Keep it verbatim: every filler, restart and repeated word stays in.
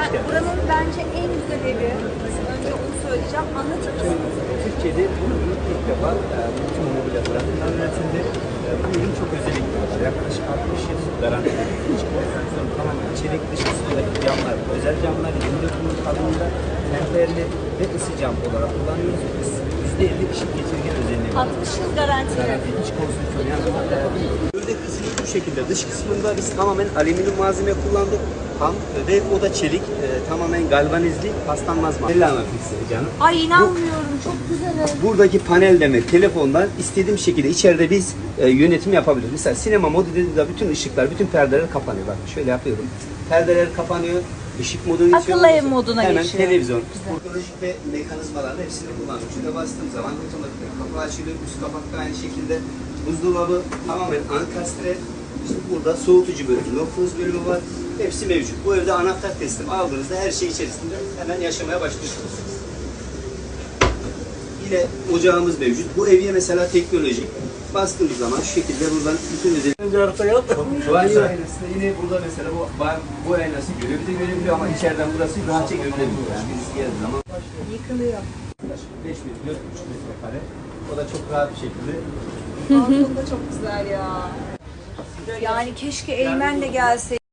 geldiniz. Buranın bence en güzel evi. Önce onu söyleyeceğim. Anlatır mısınız? Türkiye'de bu ürün ilk defa e, bütün mobilya tarafından üretildi. E, bu ürün çok özellikli var. Yaklaşık altmış yıl garanti. Hiç konstrüksiyon tamamen çelik dış kısmındaki camlar, özel camlar yirmi dört yıl kalınlığında temperli ve ısı cam olarak kullanıyoruz. yüzde elli ışık geçirgen özelliği var. altmış yıl garanti. Garanti iç konstrüksiyon yani böyle kısmı bu şekilde. Dış kısmında biz tamamen alüminyum malzeme kullandık. Ham ve o da çelik, e, tamamen galvanizli, paslanmaz malzeme. Anlatmak istedim canım. Ay inanmıyorum. Çok güzel ev. Buradaki panelleme telefondan istediğim şekilde içeride biz e, yönetim yapabiliriz. Mesela sinema modu dediğimizde bütün ışıklar, bütün perdeler kapanıyor. Bak şöyle yapıyorum. Perdeler kapanıyor, ışık moduna geçiyor. Akıllı ev moduna Hemen geçiyor. televizyon, teknolojik ve mekanizmalarla hepsini kullanıyoruz. Şurada bastığım zaman otomatik kapı açılıyor, üst kapak da aynı şekilde. Buzdolabı tamamen ankastre. İşte burada soğutucu bölümü, nokuz bölümü var. Hepsi mevcut. Bu evde anahtar teslim aldığınızda her şey içerisinde hemen yaşamaya başlıyorsunuz. Yine ocağımız mevcut. Bu evye mesela teknolojik. Bastığımız zaman şu şekilde buradan bütün özellikler. Önce arıza yaptı. Banyo aynası da yine burada mesela bu bu aynası görebiliyor, görebiliyor ama içeriden burası rahatça görülebiliyor. Yani birisi geldiği zaman Yıkılıyor. beş bin dört buçuk metrekare. O da çok rahat bir şekilde. Balkon da çok güzel ya. Yani keşke Eymen de gelse.